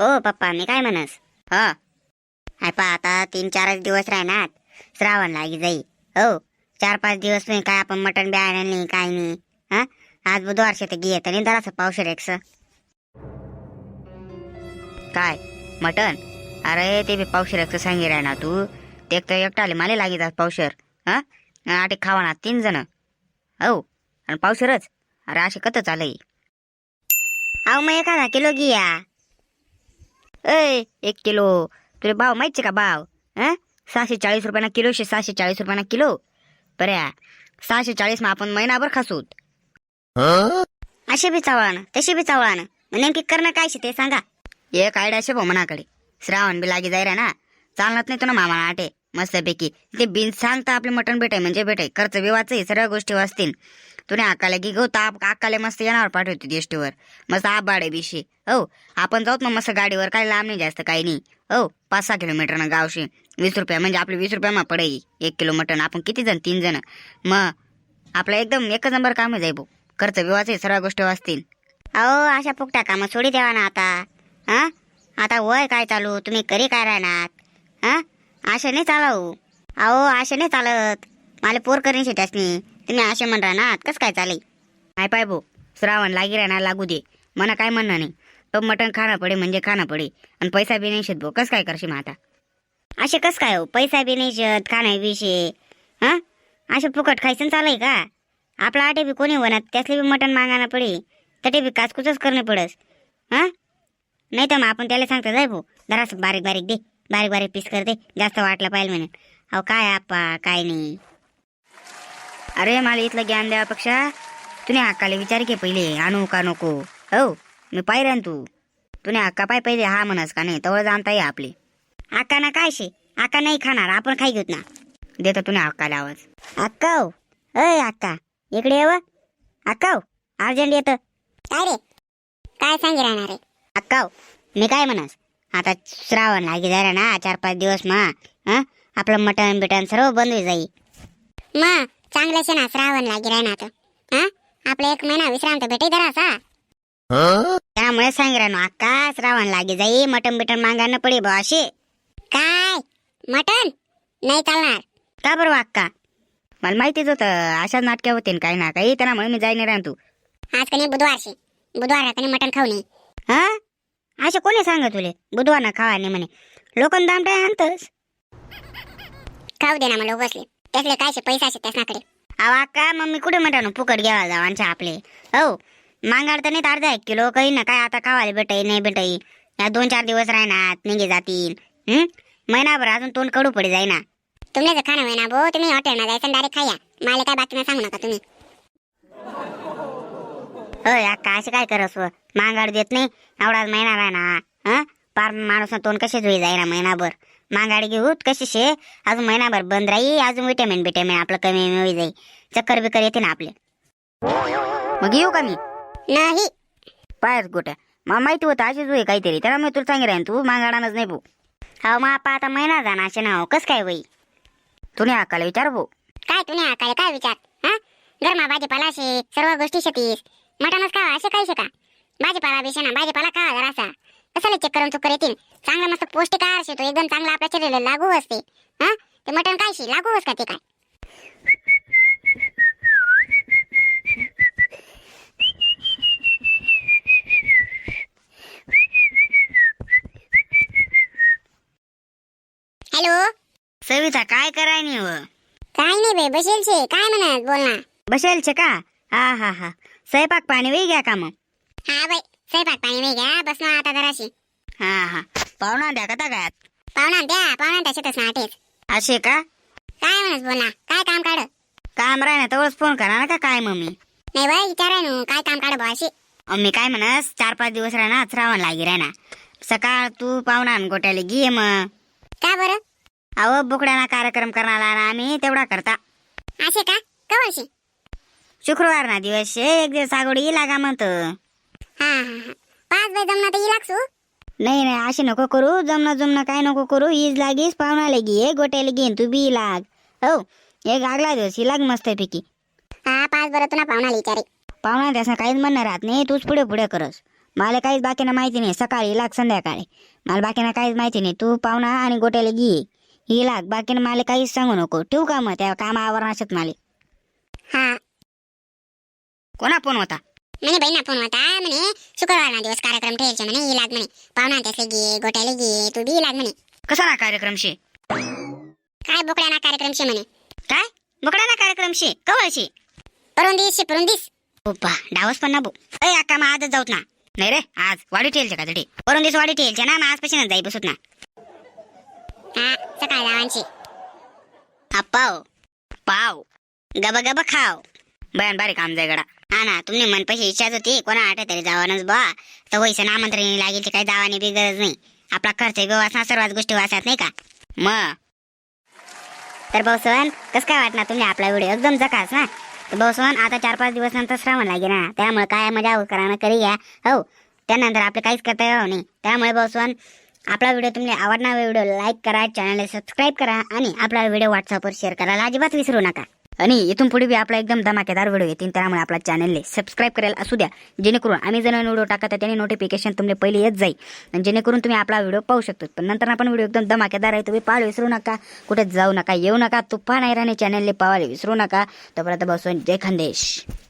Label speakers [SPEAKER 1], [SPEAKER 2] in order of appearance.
[SPEAKER 1] हो पप्पा मी काय म्हणस हा हाय पा आता 3-4 दिवस राहणार श्रावण लागी जाई हो 4-5 दिवस नाही काय आपण मटण बी आणलं नाही काय नाही हा आज बुधवार शेत घेत आणि जरासं पावशेर एक्स काय मटण अरे ते बी पावशेर एक्स सांगी राहणार तू ते एक तर एकटाले मला लागी जात पावशेर हा आटे खावाना 3 जण हो आणि पावशेरच अरे असे कत चालय अहो मग एखादा किलो घ्या 1 किलो तुला भाव माहिती का भाव 640 रुपयाना किलो 640 रुपयाना किलो बऱ्या 640 आपण महिनाभर खासूत असे बी चावळानं तशी बी चावळानं नेमकी करणं काय ते सांगा एक आयडिया शे भाऊ मनाकडे श्रावण बी लागी जाय रा ना चालणार नाही तुला मामा आटे मस्तपैकी ते बिन सांगता आपले मटण भेटाय म्हणजे भेटाय खर्च विवाच सर्व गोष्टी वाचतील तुने अक्काला की गो ताप अक्काला मस्त येणार पाठवते देष्टीवर मस्त आबाडे बिशी हो आपण जाऊत मग मस्त गाडीवर काय लांब नाही जास्त काही नाही हो 5-6 किलोमीटर गावशी 20 रुपया म्हणजे आपले 20 रुपया पडेल 1 किलो मटण आपण किती जण 3 जण मग आपलं एकदम एकच नंबर काम आहे भाऊ खर्च विवाचे सर्व गोष्टी वाचतील अहो अशा फुकट्या कामं सोडी द्यावा ना आता हा आता वय काय चालू तुम्ही करी काय राहणार हा अशा नाही चालवू अहो अशा नाही चालत मला पोर करण्याची त्यासनी तुम्ही असे म्हण राहणार कस काय चालेल काय पाय भाऊ श्रावण लागी राहणार लागू दे मना काय म्हणणं नाही तो मटण खाणं पडे म्हणजे खाणं पडे आणि पैसा बी नाही शेत भाऊ कस काय करशील आता असे कस काय हो पैसा बी नाही शेत खाणं विषय हा असे फुकट खायचं चालय का आपला आटे बी कोणी होणार त्यासले बी मटण मागायला पडे तटे बी काचकुचच करणे पडस हा नाही तर मग आपण त्याला सांगतो जाय भाऊ जरासं बारीक बारीक दे बारीक बारीक पीस कर दे जास्त वाटलं पाहिजे म्हणून अहो काय आप्पा काय नाही अरे मला इथलं ज्ञान द्यापेक्षा तुने अक्काला विचार के पहिले आणू का नको हो मी पाहिजे तू तुने अक्का पाय पहिले हा म्हणस का नाही तवळ जाणता ये आपली अक्का ना काय शे अक्का नाही खाणार आपण खाई घेत ना देतो तुने अक्काला आवाज अक्का अय अक्का इकडे येव अक्का अर्जंट येतं काय रे काय सांगी राहणार रे अक्का मी काय म्हणस आता श्रावण लागी जरा ना 4-5 दिवस आपलं मटण बिटन सर्व बंद होई जाई मग चांगलं शे ना श्रावण लागी राहणार हा आपला 1 महिना विश्रांत भेटे जरासा त्यामुळे सांग राहनो अक्का श्रावण लागी जाई मटण बिटन मागायला पडे बा असे काय मटण नाही चालणार का बरं अक्का मला माहितीच होतं अशा नाटक्या होते काय ना काही त्यामुळे मी जाईन राहन तू आज कधी बुधवार कधी मटण खाऊ नये हा असे कोणी सांग तुले बुधवार ना खावा नाही म्हणे लोकं दामटाय आणतस खाऊ दे ना मला बसले त्यासले काय पैसा असे त्यासनाकडे अवा का मग मी कुठे म्हणतो फुकट घ्यावा जावांच्या आपले हो मांगाड तर नाही अर्धा 1 किलो काही ना काय आता खावायला भेटाई नाही भेटाई या 2-4 दिवस राहणार निघे जातील महिनाभर अजून तोंड कडू पडे जाई ना तुमचं खाणं महिना भाऊ तुम्ही हॉटेलला जायचं डायरेक्ट खाया मला काय बातम्या सांगू नका तुम्ही होय अक्का असे काय करस मांगाड देत नाही एवढाच महिना राहणार पार माणूस तोंड कसे जुई जाईना महिनाभर मांगाडी घेऊत कशी शे अजून महिनाभर बंद राही अजून विटॅमिन आपलं कमी होई जाई चक्कर बिकर येते ना आपले मग येऊ का मी नाही पायच गोट्या मला माहिती होतं अशी जुई काहीतरी त्याला मी तुला सांगे राहीन तू मांगाडानच नाही भाऊ हा मग आपा आता महिना जाणार असे ना कस काय वई तुने अक्काला विचार भाऊ काय तुने अक्काला काय विचार हा गरमा भाजीपाला शे सर्व गोष्टी शेतीस मटणच खावा असे काय का भाजीपाला बेशे ना भाजीपाला खावा जरासा कशाला चेक करून चुकर येतील चांगला मस्त पौष्टिक आहार शे तो एकदम चांगला आपल्या शरीराला लागू असते हा ते मटण काय शे लागू असतं ते काय हॅलो सविता काय कराय नाही काय नाही बे बसेल छे काय म्हणत बोल ना बसेल छे का हा स्वयंपाक पाणी वेग घ्या का मग हा बाई स्वयंपाक पाणी वेग घ्या बस ना आता जराशी हा पाहुणा द्या का गायात पाहुणा त्याच्यातच ना आटेच असे का काय म्हणत बोल ना काय काम काढ काम राह ना तेवढंच फोन करा ना का काय मम्मी नाही बाई विचाराय ना काय काम काढ बा असे मी काय म्हणस 4-5 दिवस राहणार श्रावण लागी राहणार सकाळ तू पाहुणा गोट्याला घे मग का बरं अहो बुकड्याना कार्यक्रम करणार आम्ही तेवढा करता असे का कवळशी शुक्रवार ना दिवस 1 दिवस आगोडी लागा म्हणतो हा 5 बाय जमना तर लागसू नाही असे नको करू जमना काय नको करू ईज लागीस पाहुणाला घे गोट्याला घेईन तू बी लाग हो एक आगला दिवस ही लाग मस्त पैकी हा 5 बरं तुला पाहुणाला विचारे पाहुणा त्यासं काहीच म्हणणार राहत नाही तूच पुढे करस मला काहीच बाकीनं माहिती नाही. सकाळी लाग संध्याकाळी मला बाकीनं काहीच माहिती नाही. तू पाहुणा आणि गोट्याला घे ही लाग. बाकीनं मला काहीच सांगू नको. ठेवू का मग? त्या कामावर नसत मला.
[SPEAKER 2] हा
[SPEAKER 1] कोणा फोन होता?
[SPEAKER 2] म्हणे बहिणा फोन होता. म्हणे शुक्रवारना दिवस कार्यक्रम ठेवायचे म्हणे. ही लाग म्हणे. पाहुणा त्याचे घे गोट्याला घे तू बी लाग म्हणे.
[SPEAKER 1] कसा ना कार्यक्रमशी?
[SPEAKER 2] काय बोकड्याना कार्यक्रमशी म्हणे.
[SPEAKER 1] काय बोकडा ना कार्यक्रमशी? कवळशी?
[SPEAKER 2] परून दिस
[SPEAKER 1] ओपा डावस पण ना भो. अय अक्का मग आजच जाऊत ना. नाही रे आज वाडी ठेलचे का तडी? वरून दिवस वाडी ठेलचे ना. मग आजपासूनच जाई बसत ना.
[SPEAKER 2] हा सकाळ जावांची
[SPEAKER 1] पाव पाव गबा गबा खाव. बयान बारी काम जाय गडा. हा ना तुमने मन पैसे इच्छाच होती कोणा आठ तरी जावानच बा. तर वैसे आमंत्रण लागेल काही जावानी बी गरज नाही. आपला खर्च वाचना सर्वच गोष्टी वाचत नाही का मग. तर भाऊसवन कसं काय वाटणार तुम्ही आपला व्हिडिओ एकदम जकास ना. तर भाऊसवन आता 4-5 दिवस नंतर श्रावण लागे ना. त्यामुळे काय मजा करा करी घ्या हो. त्यानंतर आपलं काहीच करता येणार नाही. त्यामुळे भाऊसवन आपला व्हिडिओ तुम्हाला आवडणार व्हिडिओ लाईक करा, चॅनलला सबस्क्राईब करा आणि आपला व्हिडिओ व्हॉट्सअपवर शेअर करायला अजिबात विसरू नका. आणि इथून पुढे बी आपला एकदम धमाकेदार व्हिडिओ येतील. त्यामुळे आपला चॅनलला सबस्क्राईब करायला असू द्या. जेणेकरून आम्ही जर व्हिडिओ टाकत त्याने नोटिफिकेशन तुम्हाला पहिले येत जाईल. आणि जेणेकरून तुम्ही आपला व्हिडिओ पाहू शकतो. पण नंतर आपण व्हिडिओ एकदम धमाकेदार आहे. तुम्ही पाहायला विसरू नका. कुठे जाऊ नका, येऊ नका. तुफान ऐराने चॅनलला पाहायला विसरू नका. तोपर्यंत बसून जय खानदेश.